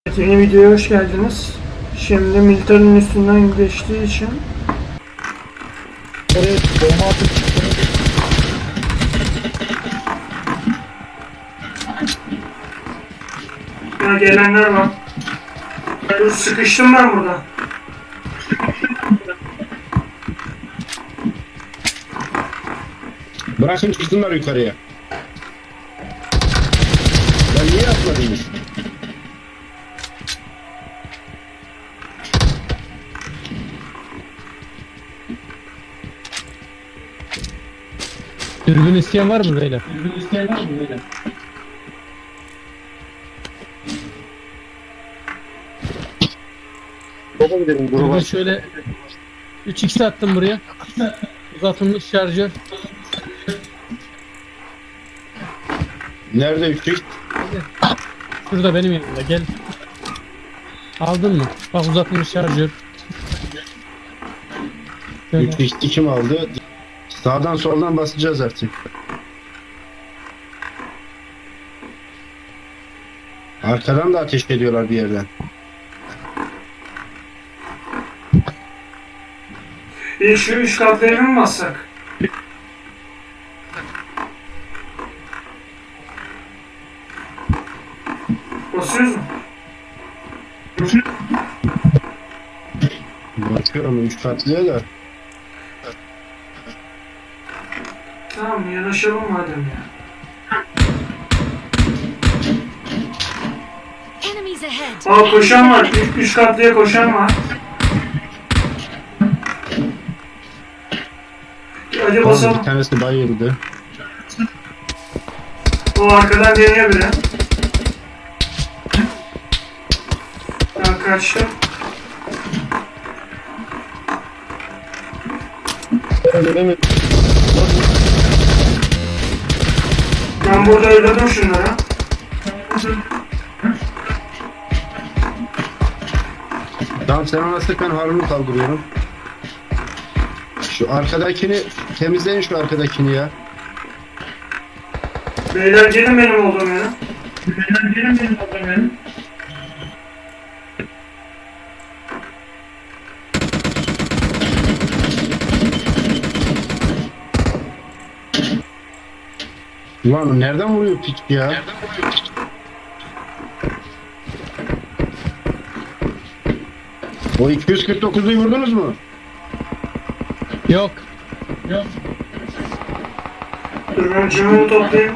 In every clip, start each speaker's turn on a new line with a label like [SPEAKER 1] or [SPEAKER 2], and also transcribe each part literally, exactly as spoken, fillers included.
[SPEAKER 1] Evet, yeni videoya hoş geldiniz. Şimdi Militer'in üstünden geçtiği için
[SPEAKER 2] Evet, bomba atıp çıktı.
[SPEAKER 1] ya gelenler var. Dur, sıkıştım ben burada.
[SPEAKER 2] Bırakın çıksınlar yukarıya. Ben niye atmadınız?
[SPEAKER 3] Dürbün isteyen var mı beyler? Dürbün isteyen var mı beyler?
[SPEAKER 2] Baba gidelim
[SPEAKER 3] Burada
[SPEAKER 2] gruba.
[SPEAKER 3] şöyle üç x attım buraya. Uzatılmış şarjör.
[SPEAKER 2] Nerede üçlük?
[SPEAKER 3] Şurada benim yanımda, gel. Aldın mı? Bak, uzatılmış şarjör. Şöyle.
[SPEAKER 2] Üçlük kim aldı? Sağdan soldan basacağız artık. Arkadan da ateş ediyorlar bir yerden.
[SPEAKER 1] Bir şu üç katlı evi mi bassak? Basıyoruz mu?
[SPEAKER 2] Bakıyorum üç katlıya da.
[SPEAKER 1] Tamam, yanaşalım madem ya.
[SPEAKER 4] Enemies ahead.
[SPEAKER 1] Aa, koşan var. Üç, üç katlıya koşan var. Hadi
[SPEAKER 2] Bir
[SPEAKER 1] basalım.
[SPEAKER 2] tanesi bayıldı.
[SPEAKER 1] O arkadan deniyor biri. Ben kaçtım. Ben burada öldürdüm şunları.
[SPEAKER 2] Tamam, sen ona sık, ben Harun'u kaldırıyorum. Şu arkadakini temizleyin, şu arkadakini ya.
[SPEAKER 1] Beyler gelin benim olduğum yere. Beyler gelin benim olduğum yere.
[SPEAKER 2] Ulan nereden vuruyor piç ya? O iki yüz kırk dokuzuyu vurdunuz mu?
[SPEAKER 3] Yok. Yok.
[SPEAKER 1] Dur, ben cümlemi toplayayım.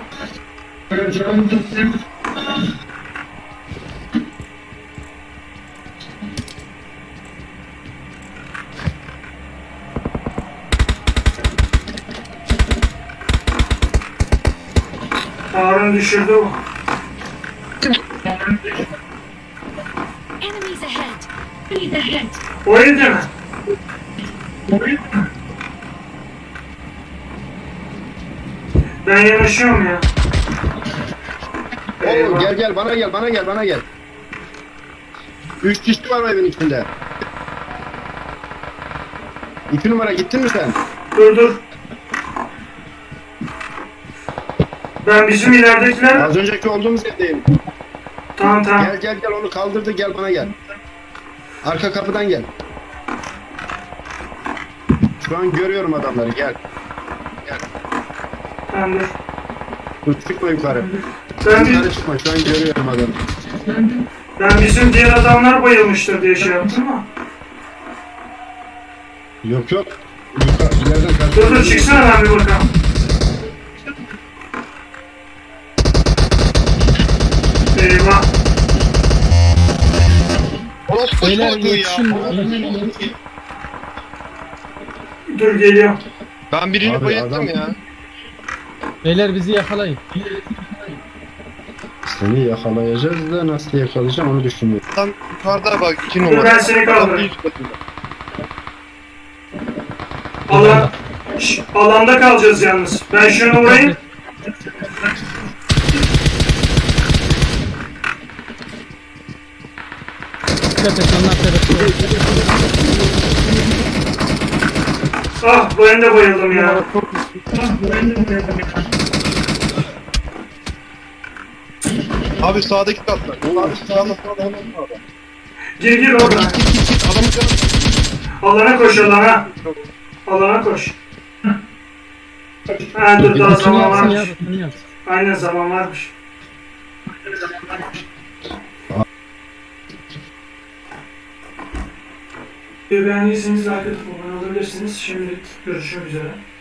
[SPEAKER 1] Harun düşürdü bu.
[SPEAKER 4] Enemies ahead. Enemies ahead.
[SPEAKER 1] O evde mi? Ben yanaşıyorum ya.
[SPEAKER 2] Oo,
[SPEAKER 1] Eyvah.
[SPEAKER 2] gel gel bana gel bana gel bana gel. Üç kişi var o evin içinde. İki numara gittin mi sen?
[SPEAKER 1] Dur dur. Ben bizim ileridekiler...
[SPEAKER 2] Az önceki olduğumuz evdeyim.
[SPEAKER 1] Tamam tamam.
[SPEAKER 2] Gel gel gel, onu kaldırdı, gel bana gel. Arka kapıdan gel. Şu an görüyorum adamları, gel. Gel.
[SPEAKER 1] Tamam dur.
[SPEAKER 2] Dur, çıkma yukarı.
[SPEAKER 1] Ben,
[SPEAKER 2] Yukarı
[SPEAKER 1] bir,
[SPEAKER 2] çıkma, şu an görüyorum adamı.
[SPEAKER 1] ben bizim diğer adamlar bayılmıştır diye şey yaptım ama.
[SPEAKER 2] Yok yok. Yukarı, ileriden
[SPEAKER 1] Dur
[SPEAKER 2] kaç.
[SPEAKER 1] dur, çıksana, ben bir bakalım. Eyvah.
[SPEAKER 3] Beyler yetişin.
[SPEAKER 1] Dur, geliyorum.
[SPEAKER 5] Ben birini
[SPEAKER 2] Abi
[SPEAKER 5] bayılttım
[SPEAKER 2] adam-
[SPEAKER 5] ya.
[SPEAKER 3] Beyler bizi yakalayın.
[SPEAKER 2] Seni yakalayacağız da nasıl yakalayacağım onu düşünüyorum.
[SPEAKER 5] Tam yukarıda bak, iki
[SPEAKER 1] Dur,
[SPEAKER 5] numara.
[SPEAKER 1] ben seni kaldırayım. Alan, Şş, alanda kalacağız yalnız. Ben şunu vurayım.
[SPEAKER 3] Dikkat et, onlar tarafı.
[SPEAKER 1] Ah, ben de bayıldım ya. Ah, ben de bayıldım ya.
[SPEAKER 5] Abi sağdaki katlar.
[SPEAKER 2] Abi sağda sağda hemen sağda.
[SPEAKER 1] Gir gir orada.
[SPEAKER 5] Git git git git. Adamın canı.
[SPEAKER 1] Alana koş alana. Alana koş. Ha dur daha
[SPEAKER 3] Rutunu
[SPEAKER 1] zaman
[SPEAKER 3] yapsın ya
[SPEAKER 1] varmış.
[SPEAKER 3] rutunu yapsın.
[SPEAKER 1] Aynen zaman varmış. Beğendiyseniz like atıp abone olabilirsiniz. Şimdilik görüşmek üzere.